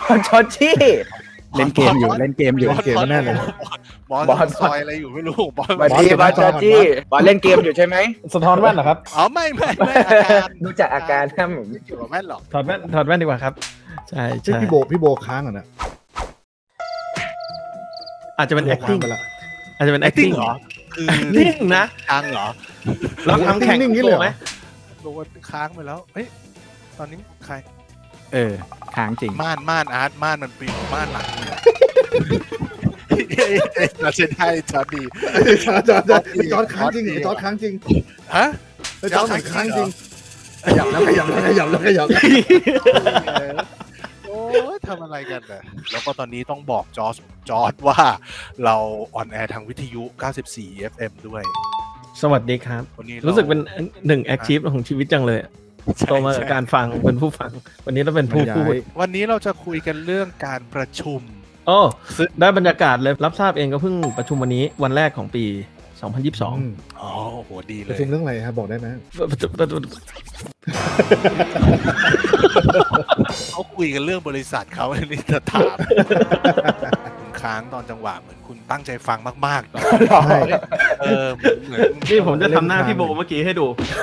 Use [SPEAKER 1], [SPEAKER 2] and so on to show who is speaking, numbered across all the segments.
[SPEAKER 1] จอร์จี้
[SPEAKER 2] เล่นเกมอยู่แน่เลย
[SPEAKER 3] บอสซอยอะไรอยู่ไม่รู้บอส
[SPEAKER 1] สวัสดีบอสจอร์จี้บอสเล่นเกมอยู่ใช่ไหม
[SPEAKER 4] สะท้อนแว่นเหรอครับ
[SPEAKER 3] อ๋อไม่อาการ
[SPEAKER 1] ดูจากอาการครับผม
[SPEAKER 3] ไม่เกี่ยวกับแม่นหรอก
[SPEAKER 4] ถอดแว่นดีกว่าครับใช่ใช่
[SPEAKER 2] พี่โบค้างอ่ะนะ
[SPEAKER 4] อาจจะเป็น acting
[SPEAKER 2] ไปละ
[SPEAKER 4] อาจจะเป็น acting
[SPEAKER 3] เหรอคือ
[SPEAKER 4] นิ่งนะ
[SPEAKER 3] ค้างเหรอ
[SPEAKER 4] แล้วทำแข่ง
[SPEAKER 2] นิ่งนี่เลยเหรอ
[SPEAKER 4] ไหม
[SPEAKER 3] โดนค้างไปแล้วเฮ้ยตอนนี้ใคร
[SPEAKER 2] ค้างจริง
[SPEAKER 3] ม่านอาร์ตม่านมันปิดม่านหลังเนี่ยเราจะได้จอร์ดี
[SPEAKER 2] จอดค้างจริงจอดค้างจริง
[SPEAKER 3] ฮะ
[SPEAKER 2] จอดค้างจริงขยับแล้ว
[SPEAKER 3] โอ้ยทำอะไรกันน่ะแล้วก็ตอนนี้ต้องบอกจอร์ดว่าเราออนแอร์ทางวิทยุ 94 FM ด้วย
[SPEAKER 4] สวัสดีครับ
[SPEAKER 3] วันนี้
[SPEAKER 4] รู้สึกเป็นหนึ่ง achieve ของชีวิตจังเลยโตมาจากการฟังเป็นผู้ฟัง วันนี้เราเป็นผู้พูด
[SPEAKER 3] วันนี้เราจะคุยกันเรื่องการประชุม
[SPEAKER 4] โอ้ได้บรรยากาศเลยรับทราบเองก็เพิ่งประชุมวันนี้วันแรกของปี 2022
[SPEAKER 3] อ๋อโหดีเล
[SPEAKER 2] ประ
[SPEAKER 3] ย
[SPEAKER 2] ชุมเรื่องอะไรครับบอกได้ไหม
[SPEAKER 3] เขาคุยกันเรื่องบริษัทเขาอันนี้จะถามคุณค้างตอนจังหวะเหมือนคุณตั้งใจฟังมากๆตอน
[SPEAKER 2] ใช่
[SPEAKER 3] เหมือน
[SPEAKER 4] นี่ผมจะทำหน้าพี่โบเมื่อกี้ให้ดู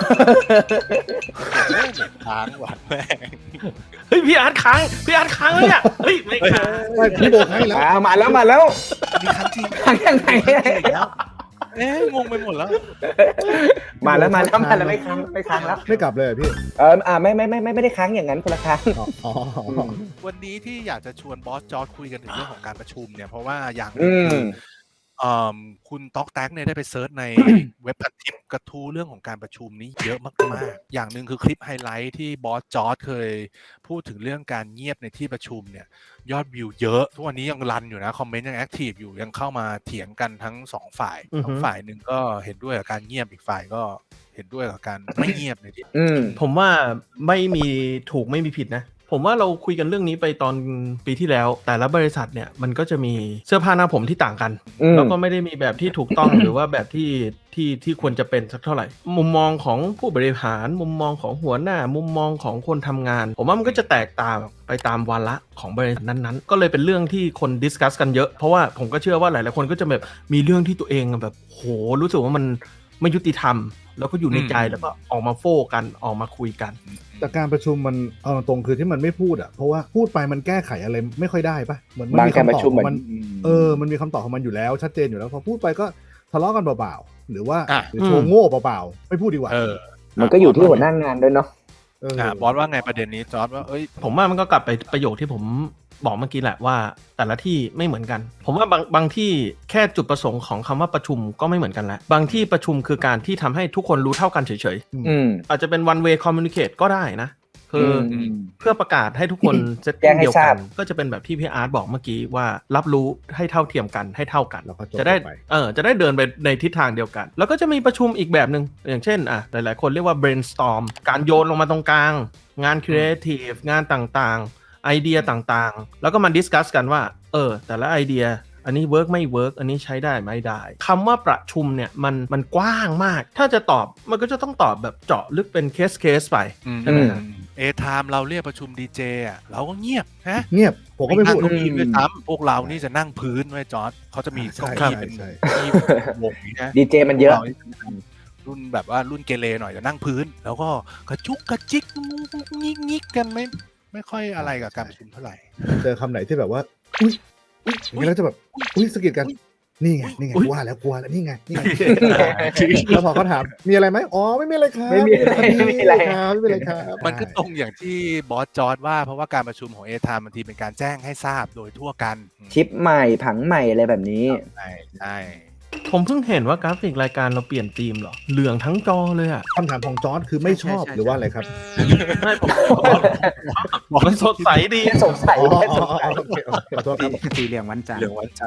[SPEAKER 3] ค้างหวานแม่ง
[SPEAKER 4] เฮ้ยพี่อาร์ตค้างแล้วเนี่ยเฮ้ยไม่ค้าง
[SPEAKER 2] พี่โบค้างแล้ว
[SPEAKER 1] มาแล้ว
[SPEAKER 3] มีค้างจริง
[SPEAKER 1] ค้างยังไง
[SPEAKER 3] งงไปหมดแล้ว
[SPEAKER 1] มาแล้วไม่ค้างแล้ว
[SPEAKER 2] ไม่กลับเลยพี่
[SPEAKER 1] ไม่ได้ค้างอย่างนั้นคนละค้าง
[SPEAKER 2] อ๋อ
[SPEAKER 3] วันนี้ที่อยากจะชวนบอสจอร์จคุยกันถึงเรื่องของการประชุมเนี่ยเพราะว่าอย่างห
[SPEAKER 1] อื
[SPEAKER 3] นึง
[SPEAKER 1] ม
[SPEAKER 3] คือคุณต๊อกแท็กเนี่ยได้ไปเซิร์ชใน เว็บพันทิปกระทู้เรื่องของการประชุมนี้เยอะมากๆอย่างหนึ่งคือคลิปไฮไลท์ที่บอสจอร์จเคยพูดถึงเรื่องการเงียบในที่ประชุมเนี่ยยอดวิวเยอะทุกวันนี้ยังรันอยู่นะคอมเมนต์ยังแอคทีฟอยู่ยังเข้ามาเถียงกันทั้งสองฝ่ายทั้งฝ่ายหนึ่งก็เห็นด้วยกับการเงียบอีกฝ่ายก็เห็นด้วยกับการไม่เงียบในที่
[SPEAKER 4] ผมว่าไม่มีถูกไม่มีผิดนะผมว่าเราคุยกันเรื่องนี้ไปตอนปีที่แล้วแต่ละบริษัทเนี่ยมันก็จะมีเสื้อผ้าหน้าผมที่ต่างกันแล้วก็ไม่ได้มีแบบที่ถูกต้อง หรือว่าแบบที่ควรจะเป็นสักเท่าไหร่มุมมองของผู้บริหารมุมมองของหัวหน้ามุมมองของคนทำงานผมว่ามันก็จะแตกต่างไปตามวาระของบริษัทนั้นๆก็เลยเป็นเรื่องที่คนดิสคัสกันเยอะเพราะว่าผมก็เชื่อว่าหลายๆคนก็จะแบบมีเรื่องที่ตัวเองแบบโหรู้สึกว่ามันไม่ยุติธรรมแล้วก็อยู่ในใจแล้วก็ออกมาโฟกันออกมาคุยกัน
[SPEAKER 2] แต่การประชุมมันเอาตรงคือที่มันไม่พูดอ่ะเพราะว่าพูดไปมันแก้ไขอะไรไม่ค่อยได้ปะเหมือนมัน
[SPEAKER 1] บาง
[SPEAKER 2] มี
[SPEAKER 1] การ
[SPEAKER 2] คำ
[SPEAKER 1] ประ
[SPEAKER 2] ตอบ
[SPEAKER 1] ชุม
[SPEAKER 2] ของ
[SPEAKER 1] มั
[SPEAKER 2] มัน นมันมีคำตอบของมันอยู่แล้วชัดเจนอยู่แล้วพอพูดไปก็ทะเลาะกันเบาๆหรือว่าหรือโชว์โง่เปล่าๆไม่พูดดีกว่า
[SPEAKER 1] มันก็อยู่ที่หัวหน้างานด้วยเนาะ
[SPEAKER 3] บอสว่าไงประเด็นนี้จอร์จว่า
[SPEAKER 4] ผมว่ามันก็กลับไปประโยคที่ผมบอกเมื่อกี้แหละว่าแต่ละที่ไม่เหมือนกันผมว่าบางที่แค่จุดประสงค์ของคำว่าประชุมก็ไม่เหมือนกันแล้วบางที่ประชุมคือการที่ทำให้ทุกคนรู้เท่ากันเฉยๆอาจจะเป็น one way communicate ก็ได้นะคือเพื่อประกาศให้ทุกคนเซตติ้งเดียวกันก็จะเป็นแบบที่พี่อาร์ตบอกเมื่อกี้ว่ารับรู้ให้เท่าเทียมกันให้เท่ากันจะได้เดินไปในทิศทางเดียวกันแล้วก็จะมีประชุมอีกแบบนึงอย่างเช่นหลายๆคนเรียกว่า brainstorm การโยนลงมาตรงกลางงาน creative งานต่างๆไอเดียต่างๆแล้วก็มาดิสคัสกันว่าแต่ละไอเดียอันนี้เวิร์กไม่เวิร์กอันนี้ใช้ได้ไม่ได้คำว่าประชุมเนี่ยมันกว้างมากถ้าจะตอบมันก็จะต้องตอบแบบเจาะลึกเป็นเคสไปใช่ไหมครับ
[SPEAKER 3] ไทม์เราเรียกประชุมดีเจอ่ะเราก็เงียบฮะ
[SPEAKER 2] เงียบผมก็ไม่พูด
[SPEAKER 3] ด้วยซ้ำพวกเรานี่จะนั่งพื้นไว้จอร์จเขาจะมีเก้าอี้เป็นที่วงนี้นะ
[SPEAKER 1] ดีเจมันเยอะ
[SPEAKER 3] รุ่นแบบว่ารุ่นเกเรหน่อยจะนั่งพื้นแล้วก็กระจุกกระจิกงิกกันไม่ค่อยอะไรกับการประชุมเท่าไหร่
[SPEAKER 2] เจอคำไหนที่แบบว่าอุ้ยอย่างนี้แล้วจะแบบสะกิดกันนี่ไงว่าแล้วกลัวแล้วนี่ไงแล้วพอเขาถามมีอะไรไหมอ๋อไม่มีอะไรครับ
[SPEAKER 1] ไม่มีอะไร
[SPEAKER 2] ครับ
[SPEAKER 3] มันก็ตรงอย่างที่บอสจอร์จว่าเพราะว่าการประชุมของไทม์บางทีเป็นการแจ้งให้ทราบโดยทั่วกัน
[SPEAKER 1] ชิปใหม่ผังใหม่อะไรแบบนี้
[SPEAKER 3] ใช่
[SPEAKER 4] ผมเพิ่งเห็นว่ากราฟิกรายการเราเปลี่ยนธีมเหรอเหลืองทั้งจอเลยอ่ะ
[SPEAKER 2] คำถามของจอร์จคือไม่ชอบหรือว่าอะไรครับ
[SPEAKER 4] ไม่ผมมันสดใสดี
[SPEAKER 1] สงสัย
[SPEAKER 2] ขอโทษครับ
[SPEAKER 5] สีเหลืองวันจันทร์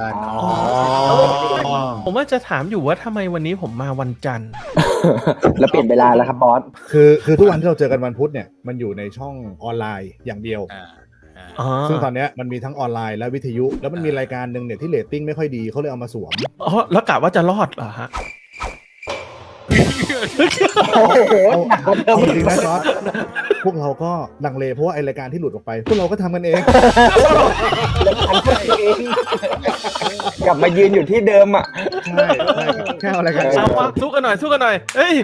[SPEAKER 4] ผมว่าจะถามอยู่ว่าทำไมวันนี้ผมมาวันจันทร์
[SPEAKER 1] แล้วเปลี่ยนเวลาแล้วครับบอส
[SPEAKER 2] คือทุกวันที่เราเจอกันวันพุธเนี่ยมันอยู่ในช่องออนไลน์อย่างเดียวซึ่งตอนนี้มันมีทั้งออนไลน์และวิทยุแล้วมันมีรายการหนึ่งเนี่ยที่เรตติ้งไม่ค่อยดีเขาเลยเอามาสวม
[SPEAKER 4] แล้วกะว่าจะรอดเหรอฮะ
[SPEAKER 1] โอ้โหหนักกว่าเดิ
[SPEAKER 2] เอา
[SPEAKER 1] ม
[SPEAKER 2] จริงนะจอร์จพวกเราก็ลังเลเพราะว่าไอรายการที่หลุดออกไป พวกเราก็ทำกันเอง
[SPEAKER 1] แล้วทำตัวเองกลับมายืนอยู่ที่เดิมอ่ะ
[SPEAKER 2] ใช่แค่เอารายการ
[SPEAKER 4] เอาวะสู้กันหน่อยเฮ้ย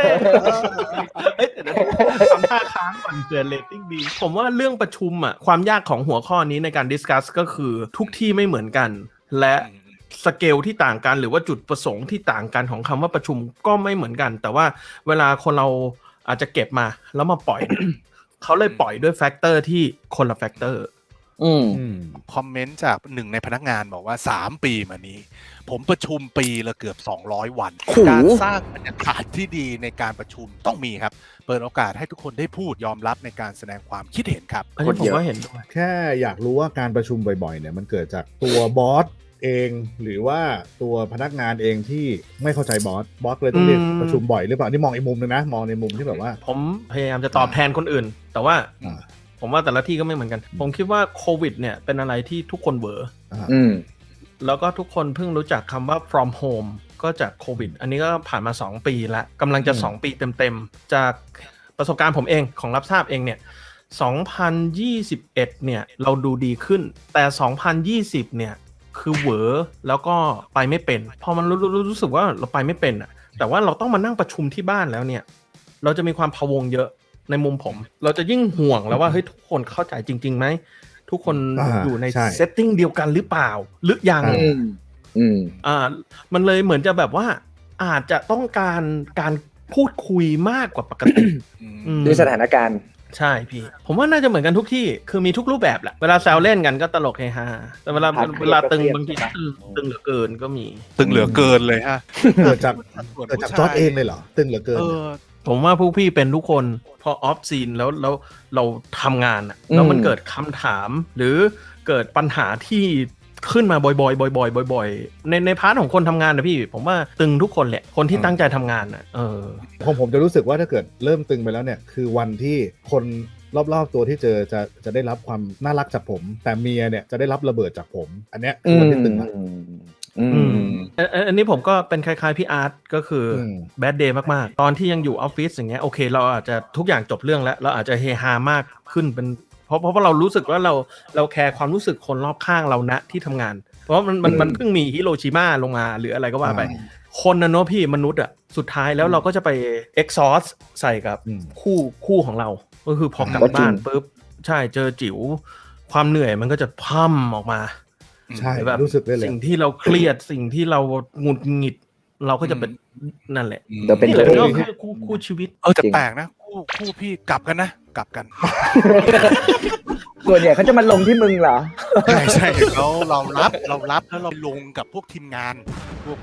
[SPEAKER 4] เดี๋ยวทำท่าค้างก่อนเกิดเรตติ้งดีผมว่าเรื่องประชุมอ่ะความยากของหัวข้อนี้ในการดิสคัสก็คือทุกที่ไม่เหมือนกันและสเกลที่ต่างกันหรือว่าจุดประสงค์ที่ต่างกันของคำว่าประชุมก็ไม่เหมือนกันแต่ว่าเวลาคนเราอาจจะเก็บมาแล้วมาปล่อย เขาเลยปล่อยด้วยแฟกเตอร์ที่คนละแฟกเตอร์
[SPEAKER 3] คอมเมนต์จากหนึ่งในพนักงานบอกว่า3 ปีมานี้ ผมประชุมปีละเกือบ200 วัน
[SPEAKER 1] โอ้โห
[SPEAKER 3] การสร้างบรรยากาศที่ดีในการประชุมต้องมีครับ เปิดโอกาสให้ทุกคนได้พูดยอมรับในการแสดงความคิดเห็นครับ
[SPEAKER 4] อันนี้ผมก็เห็นด้วย
[SPEAKER 2] แค่อยากรู้ว่าการประชุมบ่อยๆเนี่ยมันเกิดจากตัวบอสเองหรือว่าตัวพนักงานเองที่ไม่เข้าใจบอสเลยต้องเรียกประชุมบ่อยหรือเปล่านี่มองอีกมุมนึงนะมองในมุมที่แบบว่า
[SPEAKER 4] ผมพยายามจะตอบแทนคนอื่น แต่ว่า
[SPEAKER 2] อ่า
[SPEAKER 4] ผมว่าแต่ละที่ก็ไม่เหมือนกัน ผมคิดว่าโควิดเนี่ยเป็นอะไรที่ทุกคนเวอร์
[SPEAKER 1] อืม
[SPEAKER 4] แล้วก็ทุกคนเพิ่งรู้จักคำว่า from home ก็จากโควิด อันนี้ก็ผ่านมา2 ปีแล้วกำลังจะ2 ปีเต็มๆจากประสบการณ์ผมเองของรับทราบเองเนี่ย2021เนี่ยเราดูดีขึ้นแต่2020เนี่ยคือเวอร์แล้วก็ไปไม่เป็นพอมันรู้สึกว่าเราไปไม่เป็นอ่ะแต่ว่าเราต้องมานั่งประชุมที่บ้านแล้วเนี่ยเราจะมีความพะวงเยอะในมุมผมเราจะยิ่งห่วงแล้วว่าเฮ้ยทุกคนเข้าใจจริงๆไหมทุกคนอยู่ในเซตติ้งเดียวกันหรือเปล่าหรือยัง มันเลยเหมือนจะแบบว่าอาจจะต้องการพูดคุยมากกว่าปกติ
[SPEAKER 1] ด้วยสถานการณ์
[SPEAKER 4] ใช่พี่ผมว่าน่าจะเหมือนกันทุกที่คือมีทุกรูปแบบแหละเวลาแซวเล่นกันก็ตลกเฮฮาแต่เวลา
[SPEAKER 1] ครับ
[SPEAKER 4] เวลาตึง
[SPEAKER 1] เครียด
[SPEAKER 4] บางทีตึงเหลือเกินก็มี
[SPEAKER 3] ตึงเหลือเกินเลยฮะ
[SPEAKER 2] เกิดจากจอร์จเองเลยเหรอตึงเหลือเกิน
[SPEAKER 4] ผมว่าพวกพี่เป็นทุกคนพอออฟซีนแล้วเราทำงานอะแล้วมันเกิดคำถามหรือเกิดปัญหาที่ขึ้นมาบ่อยๆในพาร์ทของคนทำงานนะพี่ผมว่าตึงทุกคนแหละคนที่ตั้งใจทำงานอะ
[SPEAKER 2] ผมจะรู้สึกว่าถ้าเกิดเริ่มตึงไปแล้วเนี่ยคือวันที่คนรอบๆตัวที่เจอจะได้รับความน่ารักจากผมแต่เมียเนี่ยจะได้รับระเบิดจากผมอันเนี้ยคือวันที่ตึงละ
[SPEAKER 4] อันนี้ผมก็เป็นคล้ายๆพี่อาร์ตก็คือแบดเดย์มากๆตอนที่ยังอยู่ออฟฟิศอย่างเงี้ยโอเคเราอาจจะทุกอย่างจบเรื่องแล้วเราอาจจะเฮฮามากขึ้นเป็นเพราะเรารู้สึกว่าเราแคร์ความรู้สึกคนรอบข้างเราณที่ทำงานเพราะมันเพิ่งมีฮิโรชิมาลงมาหรืออะไรก็ว่าไปคนนะเนาะพี่มนุษย์อ่ะสุดท้ายแล้วเราก็จะไปเอ็กซอสใส่กับคู่ของเราก็คือพอกลับบ้านปุ๊บใช่เจอจิ๋วความเหนื่อยมันก็จะพั่มออกมา
[SPEAKER 2] ใช่
[SPEAKER 4] แบบ
[SPEAKER 2] รู้สึกได้เลย
[SPEAKER 4] สิ่งที่เราเครียดสิ่งที่เราหงุดหงิดเราก็จะเป็นนั่นแหละ
[SPEAKER 1] เดี๋ยวเป็น
[SPEAKER 4] นี่แหละก็คือคู่ชีวิต
[SPEAKER 3] แต่แปลกนะคู่พี่กลับกันนะกลับกัน
[SPEAKER 1] ส่วนใหญ่เขาจะมาลงที่มึงเหรอ
[SPEAKER 3] ใช่เรารับแล้วเราลงกับพวกทีมงานพวก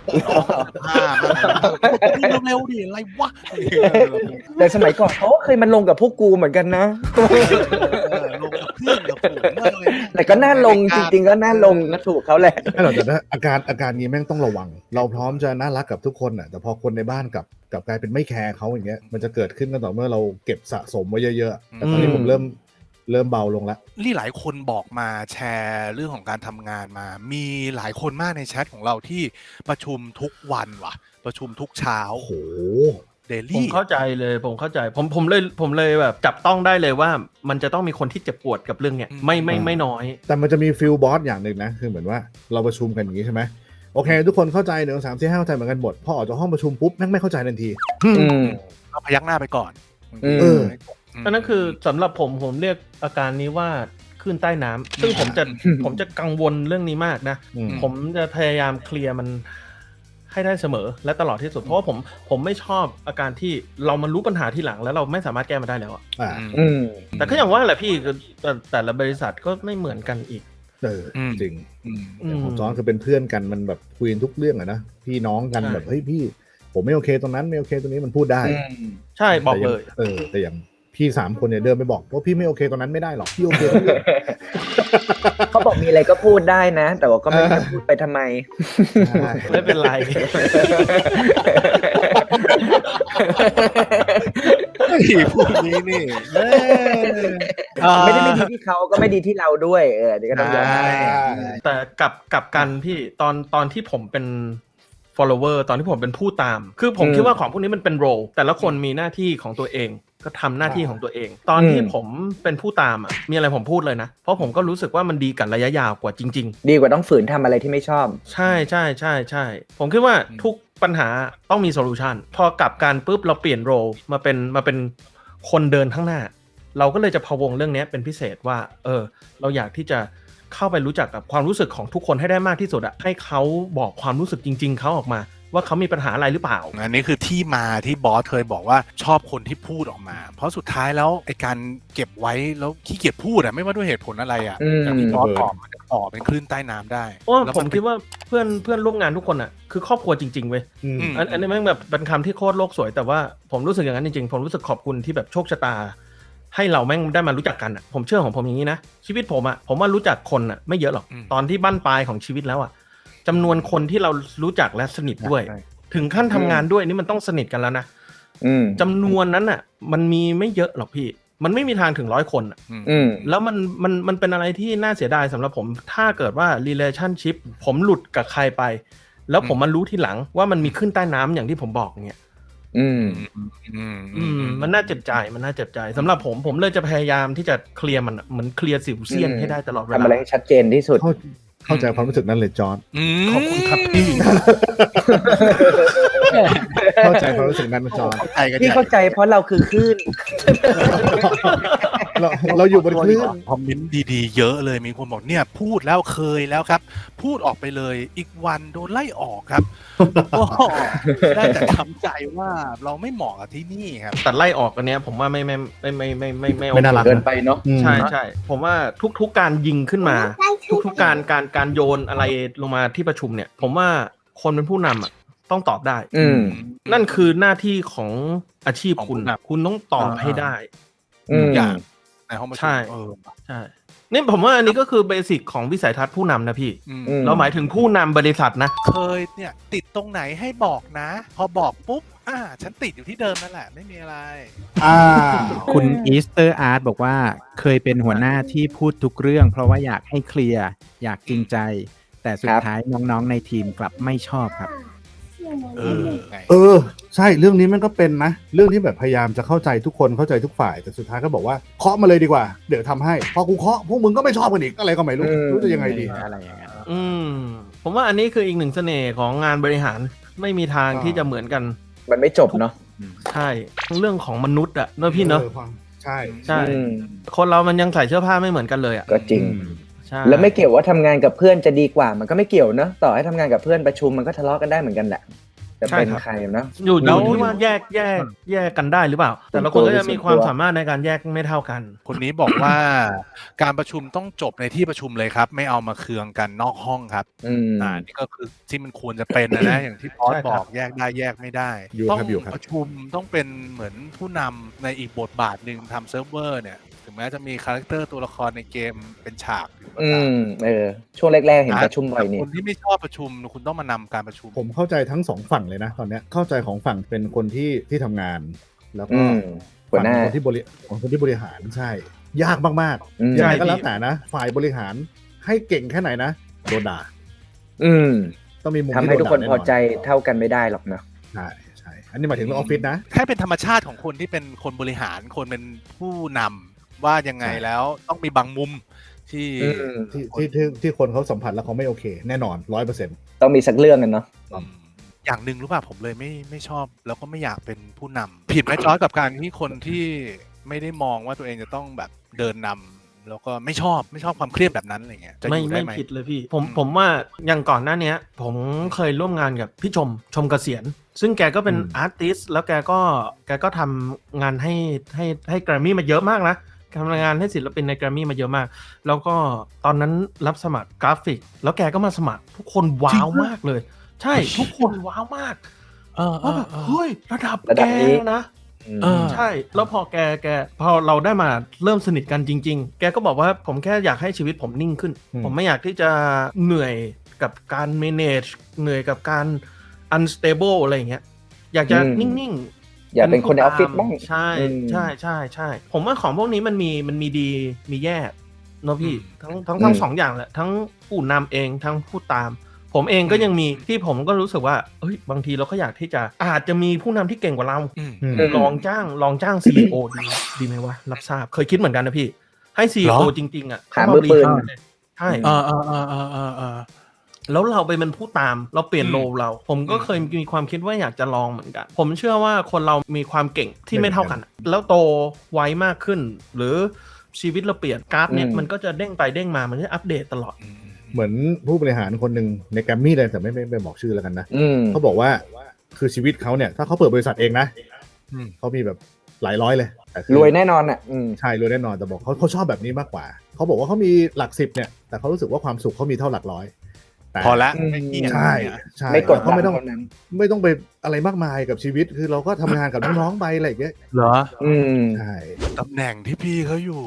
[SPEAKER 3] เร็วดิอะไรวะ
[SPEAKER 1] แต่สมัยก่อนเขาเคยมาลงกับพวกกูเหมือนกันนะ
[SPEAKER 3] ลงกับเพื่อนกับฝูงอะไร
[SPEAKER 1] แต่ก็น่าลงจริงๆก็น่าลงก็ถูกเขาแหละ
[SPEAKER 2] ไม่หรอกแต่ถ้าอาการนี้แม่งต้องระวัง เราพร้อมจะน่ารักกับทุกคนน่ะแต่พอคนในบ้านกับกลายเป็นไม่แคร์เขาอย่างเงี้ยมันจะเกิดขึ้นก็ต่อเมื่อเราเก็บสะสมไว้เยอะๆแต่ตอนนี้ผมเริ่มเบาลงแล้ว
[SPEAKER 3] นี่หลายคนบอกมาแชร์เรื่องของการทำงานมามีหลายคนมากในแชทของเราที่ประชุมทุกวันว่ะประชุมทุกเช้า
[SPEAKER 2] โอ้โห
[SPEAKER 3] เด
[SPEAKER 4] ผม
[SPEAKER 3] ลี่
[SPEAKER 4] เข้าใจเลยผมเลยแบบจับต้องได้เลยว่ามันจะต้องมีคนที่เจ็บปวดกับเรื่องเนี้ยไม่น้อย
[SPEAKER 2] แต่มันจะมีฟิลบอสอย่างหนึ่งนะคือเหมือนว่าเราประชุมกันอย่างนี้ใช่ไหมโอเคทุกคนเข้าใจ1 2 3 4 5เข้าใจเหมือนกันหมดพอออกจากห้องประชุมปุ๊บแม่งไม่เข้าใจทันที
[SPEAKER 3] ก็พยักหน้าไปก่อน
[SPEAKER 4] อันนั้นคือสำหรับผมเรียกอาการนี้ว่าคลื่นใต้น้ำซึ่งผมจะกังวลเรื่องนี้มากนะผมจะพยายามเคลียร์มันให้ได้เสมอและตลอดที่สุดเพราะว่าผมไม่ชอบอาการที่เรามารู้ปัญหาที่หลังแล้วเราไม่สามารถแก้มันได้แล้วอ่ะแต่ก็อย่างว่าแหละพี่แต่ละบริษัทก็ไม่เหมือนกันอีก
[SPEAKER 2] จริงของจอนคือเป็นเพื่อนกันมันแบบคุยทุกเรื่องอะนะพี่น้องกันแบบเฮ้ยพี่ผมไม่โอเคตรงนั้นไม่โอเคตรงนี้มันพูดได้
[SPEAKER 4] ใช่บอกเลย
[SPEAKER 2] แต่อย่างพี่3คนเนี่ยเดินไปบอกว่าพี่ไม่โอเคตรงนั้นไม่ได้หรอกพี่โอเคทุกเรื่อง
[SPEAKER 1] เขาบอกมีอะไรก็พูดได้นะ แต่ว่าก็ไม่ได้พูดไปทำไม
[SPEAKER 4] ไม่เป็นไร
[SPEAKER 3] พูดนี้นี่
[SPEAKER 1] ไม่ได้ไม่ดีที่เขาก็ไม่ดีที่เราด้วยเดี๋ยวก็ต้องยอม
[SPEAKER 4] แต่กับกันพี่ตอนที่ผมเป็น follower ตอนที่ผมเป็นผู้ตาม คือผมคิดว่าของพวกนี้มันเป็น role แต่ละคนมีหน้าที่ของตัวเองก็ทำหน้าที่ของตัวเอง ตอนที่ผมเป็นผู้ตามอ่ะมีอะไรผมพูดเลยนะเพราะผมก็รู้สึกว่ามันดีกับระยะยาวกว่าจริงๆ
[SPEAKER 1] ดีกว่าต้องฝืนทำอะไรที่ไม่ชอบ
[SPEAKER 4] ใช่ใช่ใช่ใช่ผมคิดว่าทุกปัญหาต้องมีโซลูชันพอกลับกันปุ๊บเราเปลี่ยนโรมาเป็นคนเดินข้างหน้า เราก็เลยจะพะวงเรื่องนี้เป็นพิเศษว่าเราอยากที่จะเข้าไปรู้จักกับความรู้สึกของทุกคนให้ได้มากที่สุดอะให้เขาบอกความรู้สึกจริงๆเขาออกมาว่าเขามีปัญหาอะไรหรือเปล่า
[SPEAKER 3] อันนี้คือที่มาที่บอสเคยบอกว่าชอบคนที่พูดออกมา เพราะสุดท้ายแล้วไอ้การเก็บไว้แล้วขี้เกียจพูดอะไม่ว่าด้วยเหตุผลอะไรอะอย่างที่บอสบอกมันจะต่อเป็นคลื่นใต้น้ำได้
[SPEAKER 4] เพราะว่า
[SPEAKER 3] แล้ว
[SPEAKER 4] ผมคิดว่าเพื่อนร่วมงานทุกคนอ่ะคือครอบครัวจริงๆเว้ย อันนี้แม่งแบบเป็นคำที่โคตรโลกสวยแต่ว่าผมรู้สึกอย่างนั้นจริงๆผมรู้สึกขอบคุณที่แบบโชคชะตา ให้เราแม่งได้มารู้จักกันอ่ะผมเชื่อของผมอย่างนี้นะชีวิตผมอ่ะผมว่ารู้จักคนอ่ะไม่เยอะหรอกตอนที่บั้นปลายของชีวิตแล้วอ่ะจำนวนคนที่เรารู้จักและสนิทด้วย ถึงขั้นทำงานด้วยนี่มันต้องสนิทกันแล้วนะจำนวนนั้นอ่ะมันมีไม่เยอะหรอกพี่มันไม่มีทางถึง100 คนแล้วมันเป็นอะไรที่น่าเสียดายสำหรับผมถ้าเกิดว่า relationship ผมหลุดกับใครไปแล้วผมมารู้ทีหลังว่ามันมีขึ้นใต้น้ำอย่างที่ผมบอกเนี่ยมันน่าเจ็บใจสำหรับผมเลยจะพยายามที่จะเคลียร์มันเหมือนเคลียร์สิวเซียนให้ได้ตลอดเวลา
[SPEAKER 1] ทำอะไรให้ชัดเจนที่สุด
[SPEAKER 2] เข้าใจความรู้สึกนั้นเลยจอร์จ
[SPEAKER 3] ขอบคุณครับพี่
[SPEAKER 2] เข้าใจความรู้สึกนั้นจอร์จ
[SPEAKER 1] ที่เข้าใจเพราะเราคือคลื่น
[SPEAKER 2] เราอยู่บนคลื่น
[SPEAKER 3] คอมเมนต์ดีๆเยอะเลยมีคนบอกเนี่ยพูดแล้วเคยแล้วครับ พูดออกไปเลยอีกวันโดนไล่ออกครับ ก็ได้แต่ทำใจว่าเราไม่เหมาะกับที่นี่ครับ
[SPEAKER 4] แต่ไล่ออกอันเนี้ยผมว่าไม่
[SPEAKER 2] ไม่น่ารัก
[SPEAKER 1] เกินไปเนาะ
[SPEAKER 4] ใช่ผมว่าทุกการยิงขึ้นมา ทุกการโยนอะไรลงมาที่ประชุมเนี่ยผมว่าคนเป็นผู้นำอ่ะต้องตอบได้นั่นคือหน้าที่ของอาชีพคุณต้องตอบให้ได้
[SPEAKER 3] อย่างในห้องประชุม
[SPEAKER 4] ใช่นี่ผมว่าอันนี้ก็คือเบสิกของวิสัยทัศน์ผู้นำนะพี่เราหมายถึงผู้นำบริษัทนะ
[SPEAKER 3] เคยเนี่ยติดตรงไหนให้บอกนะพอบอกปุ๊บฉันติดอยู่ที่เดิมนั่นแหละไม่มีอะไร
[SPEAKER 5] คุณอีสเตอร์อาร์ตบอกว่าเคยเป็นหัวหน้าที่พูดทุกเรื่องเพราะว่าอยากให้เคลียร์อยากจริงใจแต่สุดท้ายน้องๆในทีมกลับไม่ชอบครับ
[SPEAKER 2] ใช่เรื่องนี้มันก็เป็นนะเรื่องที่แบบพยายามจะเข้าใจทุกคนเข้าใจทุกฝ่ายแต่สุดท้ายก็บอกว่าเคาะมาเลยดีกว่าเดี๋ยวทำให้พอกูเคาะพวกมึงก็ไม่ชอบกันอีกอะไรก็ไม่รู้จะยังไงดี
[SPEAKER 5] อะไรอย่างเงี้ย
[SPEAKER 4] ผมว่าอันนี้คืออีกหนึ่งเสน่ห์ของงานบริหารไม่มีทางที่จะเหมือนกัน
[SPEAKER 1] มันไม่จบเนาะ
[SPEAKER 4] ใช่เรื่องของมนุษย์อะเนอะพี่เนอะ
[SPEAKER 2] ใช่
[SPEAKER 4] คนเรามันยังใส่เสื้อผ้าไม่เหมือนกันเลยอะ
[SPEAKER 1] ก็จริงแล้วไม่เกี่ยวว่าทำงานกับเพื่อนจะดีกว่ามันก็ไม่เกี่ยวเนอะต่อให้ทำงานกับเพื่อนประชุมมันก็ทะเลาะกันได้เหมือนกันแหละจะเป็นใครนะ
[SPEAKER 4] อยู่ที่ว่าแยกกันได้หรือเปล่าแต่ละคนก็จะมีความสามารถในการแยกไม่เท่ากัน
[SPEAKER 3] คนนี้บอกว่าการประชุมต้องจบในที่ประชุมเลยครับไม่เอามาเคืองกันนอกห้องครับนี่ก็คือที่มันควรจะเป็นนะอย่างที่บอสบอกแยกได้แยกไม่ได้ต้องประชุมต้องเป็นเหมือนผู้นำในอีกบทบาทหนึ่งทำเซิร์ฟเวอร์เนี่ยถึงแม้จะมีคาแรคเตอร์ตัวละครในเกมเป็นฉากอยู่
[SPEAKER 1] ช่วงแรกๆเห็นประชุมบ่อยนี่
[SPEAKER 3] คนที่ไม่ชอบประชุมคุณต้องมานำการประชุม
[SPEAKER 2] ผมเข้าใจทั้งสองฝั่งเลยนะตอนนี้เข้าใจของฝั่งเป็นคนที่ทำงานแล้วก็ฝั่งคนที่บริหารใช่ยากมากๆยังไงก็แล้วแต่นะฝ่ายบริหารให้เก่งแค่ไหนนะโดนด่าต้องมีมุม
[SPEAKER 1] ทำให้ทุกคนพอใจเท่ากันไม่ได้หรอกนะ
[SPEAKER 2] ใช่อันนี้หมายถึงออฟฟิศนะ
[SPEAKER 3] แค่เป็นธรรมชาติของคนที่เป็นคนบริหารคนเป็นผู้นำว่ายังไงแล้วต้องมีบางมุม
[SPEAKER 2] ที่คนเขาสัมผัสแล้วเขาไม่โอเคแน่นอน 100%
[SPEAKER 1] ต้องมีสักเรื่องกันเนาะ
[SPEAKER 3] อย่างหนึ่งรู้ป่ะผมเลยไม่ชอบแล้วก็ไม่อยากเป็นผู้นำผิดไหมจอยกับการที่คนที่ไม่ได้มองว่าตัวเองจะต้องแบบเดินนำแล้วก็ไม่ชอบความเครียดแบบนั้นอะไรเงี้ย
[SPEAKER 4] ไม่ผิดเลยพี่ผมว่าอย่างก่อนหน้านี้ผมเคยร่วมงานกับพี่ชมเกษียณซึ่งแกก็เป็นอาร์ติสต์แล้วแกก็ทำงานให้แกรมมี่มาเยอะมากนะทำงานให้ศิลปินในแกรมมี่มาเยอะมากแล้วก็ตอนนั้นรับสมัครกราฟิกแล้วแกก็มาสมัครทุกคนว้าวมากเลยใช่ทุกคนว้าวมากว่าแบบเฮ้ยระดับแกนะใช่แล้วพอแกพอเราได้มาเริ่มสนิทกันจริงๆแกก็บอกว่าผมแค่อยากให้ชีวิตผมนิ่งขึ้นผมไม่อยากที่จะเหนื่อยกับการ manage เหนื่อยกับการ unstable อะไรอย่างเงี้ยอยากจะนิ่ง
[SPEAKER 1] อย่าเป็นคนในออฟฟิศบ้าง
[SPEAKER 4] ใช่ผมว่าของพวกนี้มันมีดีมีแย่เนาะพี่ทั้งสองอย่างแหละทั้งผู้นำเองทั้งผู้ตามผผมเองก็ยังมีที่ผมก็รู้สึกว่าเอ้ยบางทีเราก็อยากที่จะอาจจะมีผู้นำที่เก่งกว่าเรา
[SPEAKER 3] อืม
[SPEAKER 4] ลองจ้าง CEO ดีไหมวะรับทราบเคยคิดเหมือนกันนะพี่ให้ CEO จริงๆอ่ะ
[SPEAKER 1] หามือปืน
[SPEAKER 4] ใช่ แล้วเราไปเป็นผู้ตามเราเปลี่ยนโรลเรา ผมก็เคยมีความคิดว่าอยากจะลองเหมือนกันผมเชื่อว่าคนเรามีความเก่งที่ไม่เท่ากัน แล้วโตไวมากขึ้น หรือชีวิตเราเปลี่ยนกราฟเนี่ยมันก็จะเด้งไปเด้งมามันจะอัปเดตตลอด
[SPEAKER 2] เหมือนผู้บริหารคนหนึ่งในแกรมมี่เลยแต่ไม่บอกชื่อแล้วกันนะเขาบอกว่าคือชีวิตเขาเนี่ยถ้าเขาเปิดบริษัทเองนะเขามีแบบหลายร้อยเลย
[SPEAKER 1] รวยแน่นอนอ่ะ
[SPEAKER 2] ใช่รวยแน่นอนแต่บอกเขาชอบแบบนี้มากกว่าเขาบอกว่าเขามีหลัก10เนี่ยแต่เขารู้สึกว่าความสุขเขามีเท่าหลักร้อย
[SPEAKER 3] พอละ
[SPEAKER 2] ใช่
[SPEAKER 1] ไม่กด
[SPEAKER 2] เขาไม่ต้อง
[SPEAKER 1] นั้น
[SPEAKER 2] ไม่ต้องไปอะไรมากมายกับชีวิตคือเราก็ทำงานกับน้องๆไปอะไรอย่างเงี้ย
[SPEAKER 5] เหรอ
[SPEAKER 2] ใช่
[SPEAKER 3] ตำแหน่งที่พี่เขาอยู่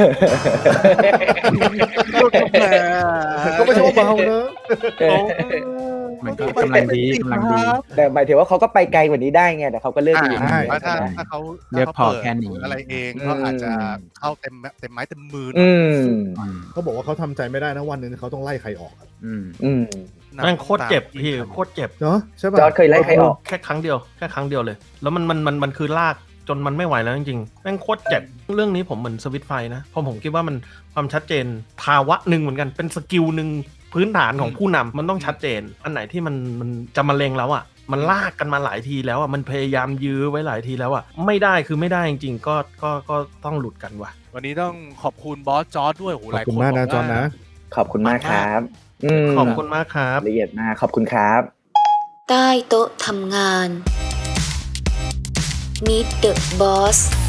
[SPEAKER 2] ก็ไม่ใช่ว่าเบาเนอะ
[SPEAKER 5] มันก็กำลังดี
[SPEAKER 1] แต่หมายถึงว่าเขาก็ไปไกลกว่านี้ได้ไงแต่เขาก็เลือกอยู่
[SPEAKER 3] ถ้าเขา
[SPEAKER 5] เลือกพอแค่นี้
[SPEAKER 3] อะไรเองก็อาจจะเข้าเต็มไม้เต็มมือ
[SPEAKER 2] เขาบอกว่าเขาทำใจไม่ได้นะวันหนึงเขาต้องไล่ใครออก
[SPEAKER 4] แม่งโคตรเจ็บพี่โคตรเจ็บ
[SPEAKER 2] เนาะใช่ป่ะ
[SPEAKER 1] จอร์จเคยไล่ใครออก
[SPEAKER 4] แค่ครั้งเดียวเลยแล้วมันคือลากจนมันไม่ไหวแล้วจริงๆแม่งโคตรเจ็บเรื่องนี้ผมเหมือนสวิตช์ไฟนะเพราะผมคิดว่ามันความชัดเจนภาวะหนึ่งเหมือนกันเป็นสกิลหนึ่งพื้นฐานของผู้นำมันต้องชัดเจนอันไหนที่มันจะมาเลงแล้วอ่ะมันลากกันมาหลายทีแล้วอ่ะมันพยายามยื้อไว้หลายทีแล้วอ่ะไม่ได้คือไม่ได้จริงๆก็ต้องหลุดกันว่ะ
[SPEAKER 3] วันนี้ต้องขอบคุณบอสจอร์จด้วยโห
[SPEAKER 2] ข
[SPEAKER 3] ห
[SPEAKER 2] อบ
[SPEAKER 3] ลาย
[SPEAKER 2] คุณ
[SPEAKER 3] คน
[SPEAKER 2] มากนะ
[SPEAKER 3] บ
[SPEAKER 2] จอนนะ
[SPEAKER 1] ขอบคุณมากครับ
[SPEAKER 4] ขอบคุณมากครับ
[SPEAKER 1] ละเอียดมากขอบคุณครับ
[SPEAKER 6] ใต้โต๊ะทำงาน Meet the Boss